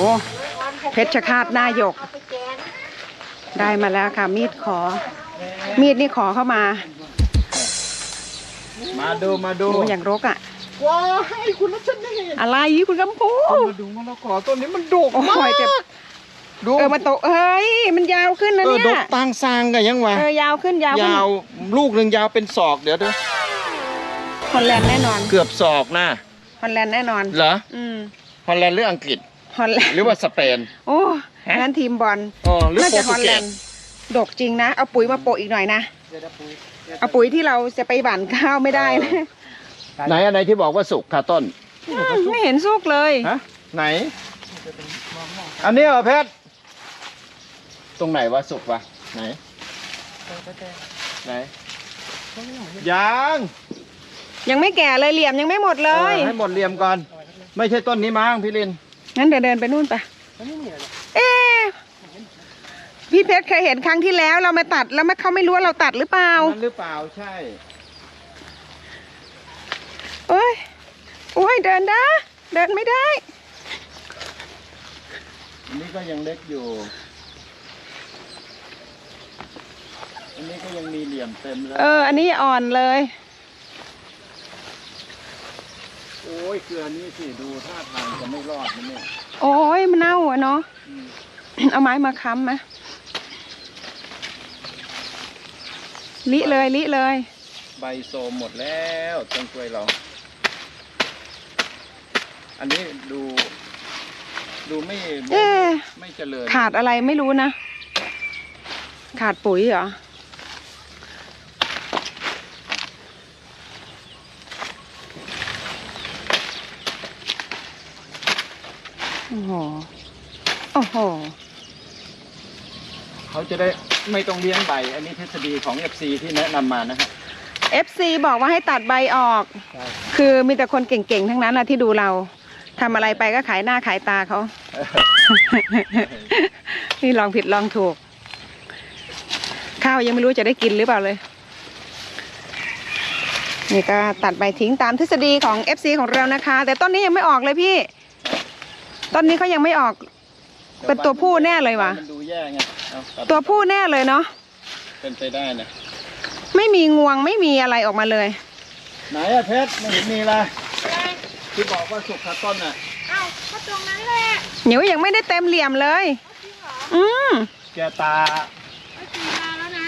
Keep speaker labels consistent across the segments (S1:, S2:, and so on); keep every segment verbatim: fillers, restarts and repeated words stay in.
S1: เพชรฆาตหน้าหยกได้มาแล้วค่ะมีดขอมีดนี่ขอเข้ามา
S2: มาดูมาดู
S1: อย่างรกอ่ะ
S2: ว้าให้คุณรัชนี
S1: อะไรคุณกำพู
S2: มาดูมะละกอต้นนี้มันดกมาก
S1: ดูเออมันโตเฮ้ยมันยาวขึ้นนะเนี่ย
S2: ดกต่างซางกันยังวะ
S1: เออยาวขึ้นยาวย
S2: าวลูกหนึ่งยาวเป็นศอกเดี๋ยวดู
S1: ฮอลแลนด์แน่นอน
S2: เกือบศอกนะ
S1: ฮอลแลนด์แน่นอน
S2: เหรออืมฮอลแลนด์หรืออังกฤษ
S1: ฮอลแลนด์
S2: หรือว่าสเปน
S1: โอ้งั้นทีมบอลน่าจะฮอลแลนด์ดกจริงนะเอาปุ๋ยมาโปะอีกหน่อยนะเอาปุ๋ยที่เราจะไปหว่านข้าวไม่ได้นะ
S2: ไหนอันไหนที่บอกว่าสุกค่ะต้น
S1: ไม่เห็นสุกเลย
S2: ฮะไหนอันนี้เหรอเพชรตรงไหนวะสุกวะไหนไหนยัง
S1: ยังไม่แก่เลยเหลี่ยมยังไม่หมดเลย
S2: ให้หมดเหลี่ยมก่อนไม่ใช่ต้นนี้มั้งพี่ลิน
S1: งั้นเดี๋ยวเดินไปนู่นไปเอ๊พี่เพชรเคยเห็นครั้งที่แล้วเรามาตัดแล้วเขาไม่รู้ว่าเราตัดหรือเปล่า
S2: หรือเปล่าใช่
S1: โอ้ยโอ้ยเดินได้เดินไม่ได้
S2: อันนี้ก็ยังเล็กอยู่อันนี้ก็ยังมีเหลี่ยมเต็มเลย
S1: เอออันนี้อ่อนเลย
S2: โอ้ยเกลือนี่สิดูท่าทางจะไม่รอดนะเนี่ย
S1: โอ้ยมันเน่าอ่ะเนาะเอาไม้มาค้ำไหมลิเลยลิเลย
S2: ใบโซมหมดแล้วต้นกล้วยเราอันนี้ดูดูไม่ไม่ไม่เจริญ
S1: ขาดอะไรไม่รู้นะขาดปุ๋ยเหรอโอ้โหโอ้โห
S2: เขาจะได้ไม่ต้องเลี้ยงใบอันนี้ทฤษฎีของ เอฟ ซี ที่แนะนำมานะครับ
S1: เอฟ ซี บอกว่าให้ตัดใบออกคือมีแต่คนเก่งๆทั้งนั้นนะที่ดูเราทำอะไรไปก็ขายหน้าขายตาเขา นี่ลองผิดลองถูกข้าวยังไม่รู้จะได้กินหรือเปล่าเลยนี่ก็ตัดใบทิ้งตามทฤษฎีของ เอฟ ซี ของเรานะคะแต่ต้นนี้ยังไม่ออกเลยพี่ต้นนี้เขายังไม่ออกเป็นตัวผู้แน่เลยว่ะ
S2: มันดูแย่ไง
S1: ตัวผู้แน่เลยเนาะ
S2: เป็นไปได้นะ
S1: ไม่มีงวงไม่มีอะไรออกมาเลย
S2: ไหนอะเพชรไม่เห็นมีเลยที่บอกว่าสุกขาต้นอะ
S1: อ้าวก็ตรงนั้นแหละเหนียวยังไม่ได้เต็มเหลี่ยมเลยอืม
S2: แกตา
S1: แล้วนะ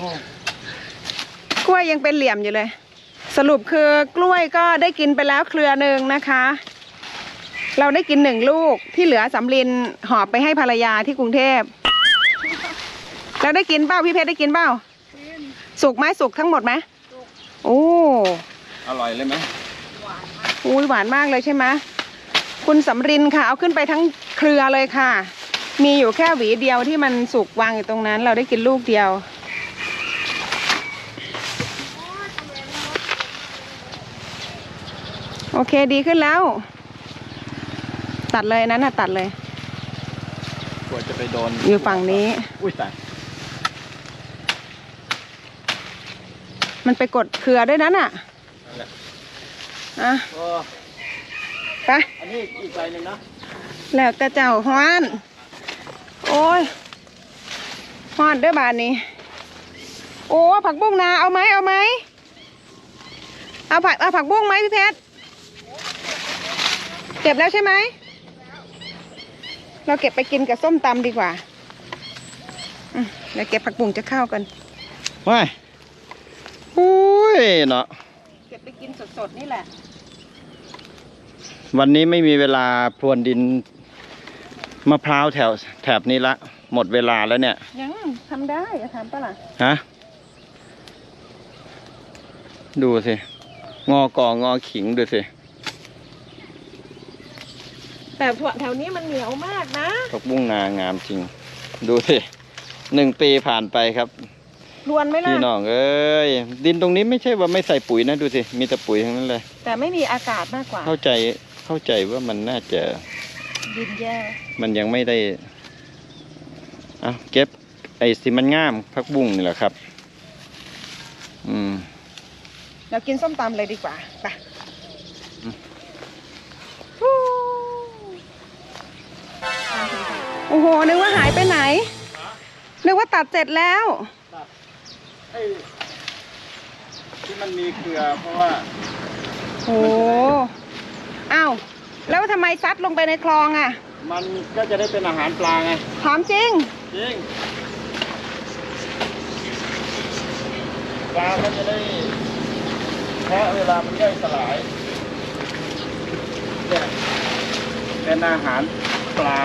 S1: กล้วยยังเป็นเหลี่ยมอยู่เลยสรุปคือกล้วยก็ได้กินไปแล้วเครือหนึ่งนะคะเราได้กินหนึ่งลูกที่เหลือสำลินหอบไปให้ภรรยาที่กรุงเทพเราได้กินเปล่าพี่เพชรได้กินเปล่าสุกไหมสุกทั้งหมดไหมโอ้
S2: อร่อยเลยไหม
S1: อุ้ยหวานมากเลยใช่ไหมคุณสำรินค่ะเอาขึ้นไปทั้งเครือเลยค่ะมีอยู่แค่หวีเดียวที่มันสุกวางอยู่ตรงนั้นเราได้กินลูกเดียวโอเคดีขึ้นแล้วตัดเลยนั้นน่ะตัดเลย
S2: กลัวจะไปโดน
S1: อยู่ฝั่งนี้
S2: อุ้ยตาย
S1: มันไปกดเครือด้วยนั้นอ่ะอ่ะไป
S2: อันนี้อีกใบหนึ่งนะ
S1: แล้วแต่เจ้าฮ้อนโอ้ยฮ้อนด้วยบานนี้โอ้ผักบุ้งนาเอาไหมเอาไหมเอาผักเอาผักบุ้งไหมพี่เพชรเก็บแล้วใช่ไหมเราเก็บไปกินกับส้มตำดีกว่าเดี๋ยวเก็บผักบุ้งจะเข้ากัน
S2: ว้ายอุ้ยเนาะ
S1: เก็บไปกินสดๆนี่แหละ
S2: วันนี้ไม่มีเวลาพรวนดินมะพร้าวแถวแถบนี้ละหมดเวลาแล้วเนี่ย
S1: ยังทำได้จะทำปะล่ะ
S2: ฮะดูสิงอกองอขิงดูสิ
S1: แต่แถวนี้มันเหนียวมากนะ
S2: ผักบุ้งนางามจริงดูสิหนึ่งปีผ่านไปครับ
S1: รวนไหมล่ะ
S2: พี่น้องเอ้ยดินตรงนี้ไม่ใช่ว่าไม่ใส่ปุ๋ยนะดูสิมีแต่ปุ๋ยทั้งนั้นเลย
S1: แต่ไม่มีอากาศมากกว่า
S2: เข้าใจเข้าใจว่ามันน่าจะ
S1: ดินแย่
S2: มันยังไม่ได้อ่ะเก็บไอ้สิมันงามผักบุ้งนี่แหละครับอืม
S1: เรากินส้มตำเลยดีกว่าไปโหนึกว่าหายไปไหนนึกว่าตัดเสร็จแล้ว
S2: ตัดไอ้ที่มันมีเกลือเพราะว่า
S1: โอ้อ้าวแล้วทำไมซัดลงไปในคลองอ่ะ
S2: มันก็จะได้เป็นอาหารปลาไง
S1: ถามจริง
S2: จริงปลามันจะได้แค่เวลามันย่อยสลายเนี่ยเป็นอาหารปลา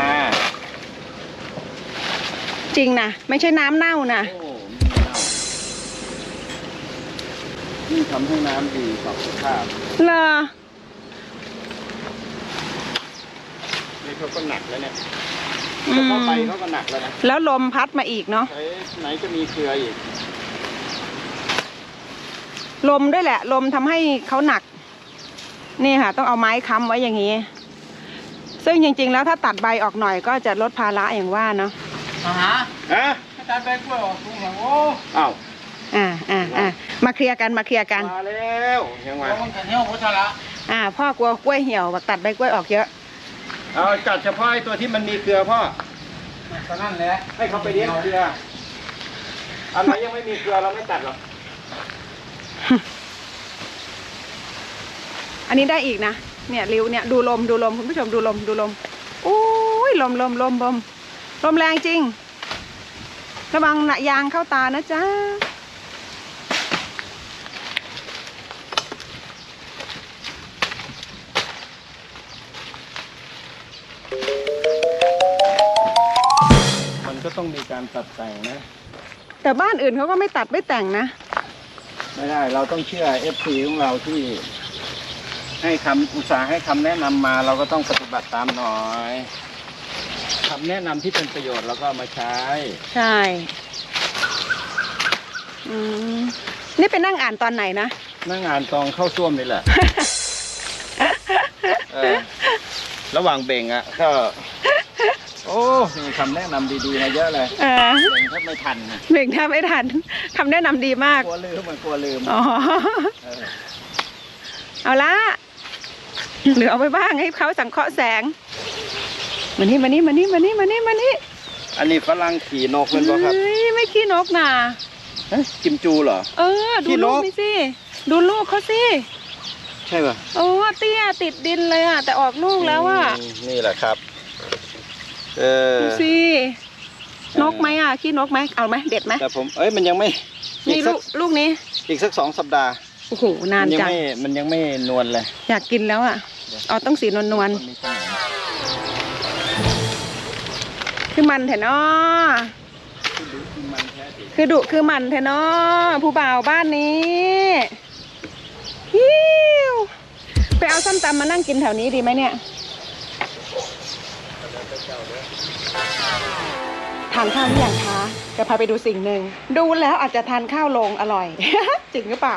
S1: จริงนะไม่ใช่น้ำเน่านะ
S2: โอ้ไม่เน่านี่ทำให้น้ำดีต่อสุขภาพ
S1: เหรอ
S2: นี่เขาก็หนักแล้วเนี่ย
S1: อื
S2: แต่
S1: ม
S2: เข้าไปเขาก็หนักแล้วนะ
S1: แล้วลมพัดมาอีกเนาะ
S2: ไหนไหนจะมีเกลืออีก
S1: ลมด้วยแหละ ลมทำให้เขาหนัก นี่ค่ะ ต้องเอาไม้ค้ำไว้อย่างนี้ ซึ่งจริงๆแล้วถ้าตัดใบออกหน่อยก็จะลดภาระอย่างว่าเนาะ
S3: อ่าฮะ
S2: ฮะ
S3: อาจารย์ไปกล้วยออกลุงเหรอโอ้
S2: อ้าว
S1: อ่าอ่าอ่ามาเคลียร์กันมาเคลียร์กัน
S2: มาแล้วยังไง
S3: โหมันกันเที่ยวโคตรละ
S1: อ่า พ่อกลัวกล้วยเหี่ยวบอกตัดใบกล้วยออกเยอะ
S2: เอาจัดเฉพาะไอ้ตัวที่มันมีเกลือพ่อ
S3: ตอนนั้นแหละ
S2: ให้เขาไปเลี้ยงเกลืออันไหนยังไม่มีเกลือเราไม่ตัดหรอก
S1: อันนี้ได้อีกนะ เนี่ยริ้วเนี่ยดูลมดูลมคุณผู้ชมดูลมดูลมอุ้ยลมลมลมลมลมแรงจริง ระวังหนะยางเข้าตานะจ๊ะ
S2: มันก็ต้องมีการตัดแต่งนะ
S1: แต่บ้านอื่นเขาก็ไม่ตัดไม่แต่งนะ
S2: ไม่ได้เราต้องเชื่อ เอฟ ซี ของเราที่ให้คำอุตสาห์ให้คำแนะนำมาเราก็ต้องปฏิบัติตามหน่อยคำแนะนำที่เป็นประโยชน์เราก็เอามาใช้
S1: ใช่อืมนี่ไปนั่งอ่านตอนไหนนะ
S2: นั่งอ่านตองเข้าส้วมนี่แหละ เออระหว่างเบ่งอ่ะก็ โอ้มีคำแนะนำดีๆมาเยอะเลย
S1: เออ
S2: เบ่งแทบไม่ทันนะ
S1: เบ่งแทบไม่ทันคำแนะนำดีมาก
S2: กลัวลืมมันกลัวลืม
S1: อ๋อ
S2: เออ
S1: เอาละเหลือเอาไปบ้างให้เขาสังเคราะห์แสงมานี่มานี่มานี่มานี่มานี่มานี่
S2: อันนี้ฝรั่งขี่นกเป็นป่ะครับ
S1: เฮ้ยไม่ขี้นกนะ
S2: เอ๊ะกิมจูเหรอ
S1: เออ ดู
S2: ขี้น
S1: ลู
S2: ก
S1: กนี่สิดูลูกเขาสิ
S2: ใช่ป่ะ
S1: โอ้เตี้ยติดดินเลยอ่ะ แต่ออกลูกแล้วอ่ะ
S2: อืมนี่แหละครับ เออ
S1: ดูสินกไหมอ่ะขี้นกไหมเอาไหมเด็ดไหม
S2: แต่ผม เอ้ยมันยังไม่อี
S1: นี่
S2: กสั
S1: ลู
S2: ก
S1: กลูกนี้
S2: อีกสักสองสัปดาห์
S1: โอ้โหนาน
S2: มัยั
S1: จัง
S2: ไม่มันยังไม่นวลเลย
S1: อยากกินแล้วอ่ะเอาต้องสีนวลนวล
S2: มันมีขนาด
S1: ๆคือมันแถเนาะ
S2: ที่ดูที่มันแท้จริง
S1: คือดุคือมันแถเนาะผู้บ่าวบ้านนี้ฮิวไปเอาส้มตำมานั่งกินแถวนี้ดีไหมเนี่ยทานข้าวหรือยังคะจะพาไปดูสิ่งหนึ่งดูแล้วอาจจะทานข้าวลงอร่อย จริงหรือเปล่า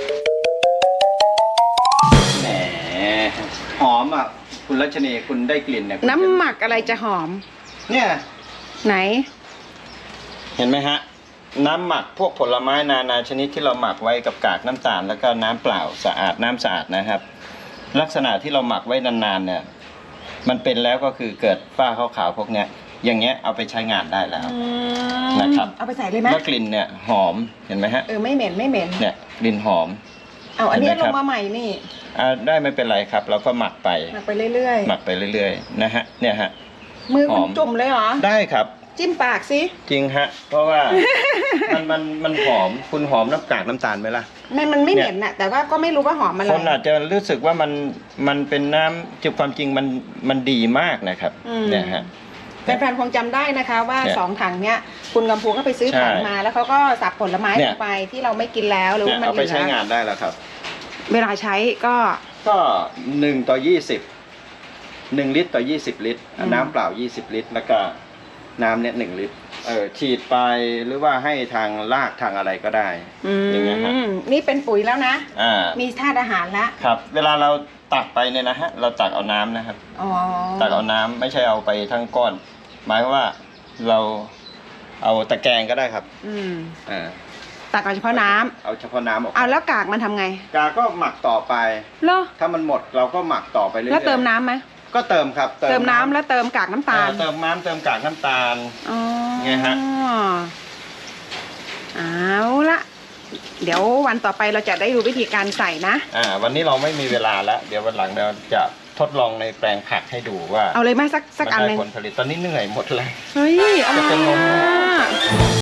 S2: แหมหอมอ่ะ คุณรัชนีคุณได้กลิ่นเนี่ย
S1: น้ำหมักอะไรจะหอม
S2: เนี่ย
S1: ไหน
S2: เห็นไหมฮะ น้ำหมักพวกผลไม้นานาชนิดที่เราหมักไว้กับกากน้ำตาลแล้วก็น้ำเปล่าสะอาดน้ำสะอาดนะครับ ลักษณะที่เราหมักไว้นานๆเนี่ย มันเป็นแล้วก็คือเกิดฝ้าขาวๆพวกเนี้ย อย่างเงี้ยเอาไปใช้งานได้แล้ว นะครับ
S1: เอาไปใส่เลยไหม
S2: แล้วกลิ่นเนี่ยหอมเห็นไหมฮะ
S1: เออไม่เหม็นไม่เหม็น
S2: เนี่ยกลิ่นหอม
S1: เอาอันนี้
S2: เห็นไหม
S1: ล
S2: ครั
S1: ง
S2: บ
S1: มาใหม่นี่
S2: อ่าได้ไม่เป็นไรครับ เราก็หมักไป
S1: หมักไปเรื่อย
S2: หมักไปเรื่อยๆนะฮะเนี่ยฮะ
S1: ๆ มือคุณ
S2: หอม
S1: จุ่มเลยเหรอ
S2: ได้ครับ
S1: จิ้มปากสิ
S2: จริงฮะ เพราะว่า มันมันมันหอมคุณหอมน้ำกากน้ำตาลไหมล่ะ
S1: มันมันไม่เหม็นน่ะ แต่ว่าก็ไม่รู้ว่าหอมอะไร
S2: คนอาจจะรู้สึกว่ามันมันเป็นน้ำจุความจริงมันมันดีมากนะครับ
S1: อืม
S2: เนี่ยฮะ
S1: แฟนๆคงจำได้นะคะว่า
S2: เนี่ย
S1: สองถังเนี้ยคุณกำพูก็ไปซื้อ
S2: ใช่
S1: ถังมา แล้วเขาก็สับผลไม้
S2: เนี่
S1: ล
S2: ย
S1: งไปที่เราไม่กินแล้วหรือ
S2: เนี่
S1: ว่าย มัน
S2: เอา
S1: เห
S2: ไป
S1: ลื
S2: ใช้งา
S1: อน
S2: ได้แล้วครับ
S1: เวลาใช้ก็
S2: ก็หนึ่งต่อยี่สิบหนึ่งลิตรต่อยี่สิบลิตร
S1: อืม
S2: น้ำเปล่ายี่สิบลิตร แล้วก็น้ำเนี่ยหนึ่งลิตรเออฉีดไปหรือว่าให้ทางรากทางอะไรก็ได้
S1: อื
S2: อย่างเงี้ยฮะ
S1: มนี่เป็นปุ๋ยแล้วนะ
S2: อ่า
S1: มีธาตุอาหารแล้ว
S2: ครับ เวลาเราตักไปเนี่ยนะฮะเราตักเอาน้ำนะครับ
S1: อ๋อ
S2: ตักเอาน้ำไม่ใช่เอาไปทั้งก้อน หมายความว่าเราเอาตะแกรงก็ได้ครับ
S1: อืม
S2: อ่า
S1: ตักเอาเฉพาะน้ำ
S2: เอาเฉพาะน้ำออก
S1: เอาแล้วกากมันทำไง
S2: กาก็หมักต่อไป
S1: เหรอ
S2: ถ้ามันหมดเราก็หมักต่อไปเรื่อยๆ
S1: แล้วเติมน้ำไหม
S2: ก็เติมครับ
S1: เติมน้ำแล้วเติมกากน้ำตาล
S2: เออเติมน้ำเติมกากน้ำตาล
S1: อ๋อ
S2: ไงฮะ
S1: เอาละเดี๋ยววันต่อไปเราจะได้ดูวิธีการใส่นะ
S2: อ่า วันนี้เราไม่มีเวลาแล้วเดี๋ยววันหลังเราจะทดลองในแปลงผักให้ดูว่า
S1: เอาเลยไหมสักสัก
S2: มัน
S1: อันห
S2: ได้
S1: นึ่ง
S2: ผลผลิตตอนนี้เหนื่อยหมดเลย
S1: เฮ้ยอร่อย
S2: จะเป็นลม
S1: อ่ะ